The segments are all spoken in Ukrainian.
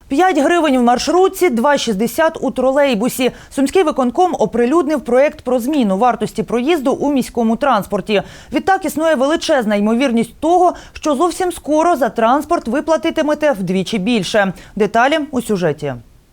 5 гривень в маршрутці, 2,60 у тролейбусі. Сумський виконком оприлюднив проєкт про зміну вартості проїзду у міському транспорті. Відтак існує величезна ймовірність того, що зовсім скоро за транспорт ви платитимете вдвічі більше. Деталі у сюжеті.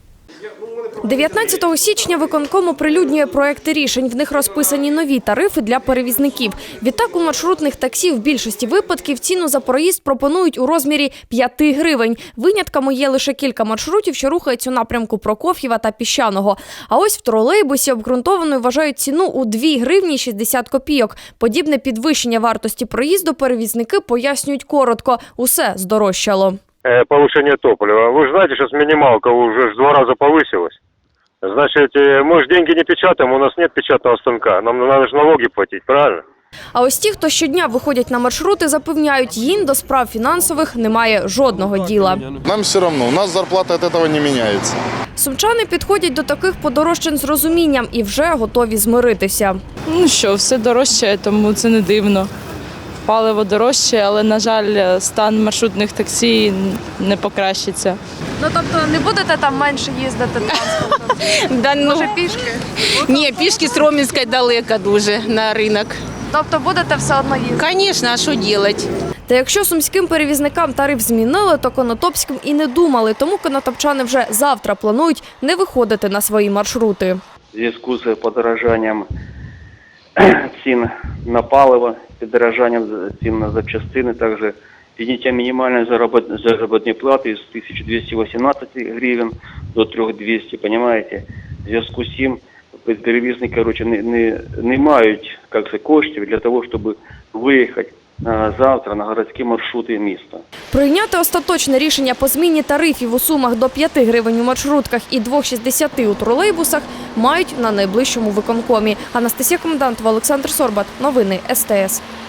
19 січня виконком оприлюднює проекти рішень. В них розписані нові тарифи для перевізників. Відтак у маршрутних таксі в більшості випадків ціну за проїзд пропонують у розмірі 5 гривень. Винятками є лише кілька маршрутів, що рухаються у напрямку Прокоф'єва та Піщаного. А ось в тролейбусі обґрунтованою вважають ціну у 2 гривні 60 копійок. Подібне підвищення вартості проїзду перевізники пояснюють коротко. Усе здорожчало. Повышение топлива. Вы же знаете, сейчас минималка уже в 2 раза повысилась. Значит, мы же деньги не печатаем, у нас нет печатного станка. Нам надо же налоги платить, правильно? А ось ті, хто щодня виходять на маршрути, запевняють, їм до справ фінансових немає жодного діла. Нам все одно, у нас зарплата від цього не міняється. Сумчани підходять до таких подорожчань з розумінням і вже готові змиритися. Ну що, все дорожче, тому це не дивно. Паливо дорожче, але, на жаль, стан маршрутних таксі не покращиться. Ну, тобто не будете там менше їздити транспортом? Може пішки? Ні, пішки з Ромінської далеко дуже на ринок. Тобто будете все одно їздити? Звісно, а що робити? Та якщо сумським перевізникам тариф змінили, то конотопським і не думали. Тому конотопчани вже завтра планують не виходити на свої маршрути. В зв'язку з подорожанням цін на паливо, подорожанням цін на запчастини, також підняття мінімальної заробітної плати з 1218 гривень до 3200, понимаете? В зв'язку з цим перевізники, не мають коштів для того, щоб виїхати завтра на городські маршрути міста. Прийняти остаточне рішення по зміні тарифів у Сумах до 5 гривень у маршрутках і 2,60 у тролейбусах мають на найближчому виконкомі. Анастасія Комендантова, Олександр Сорбат. Новини СТС.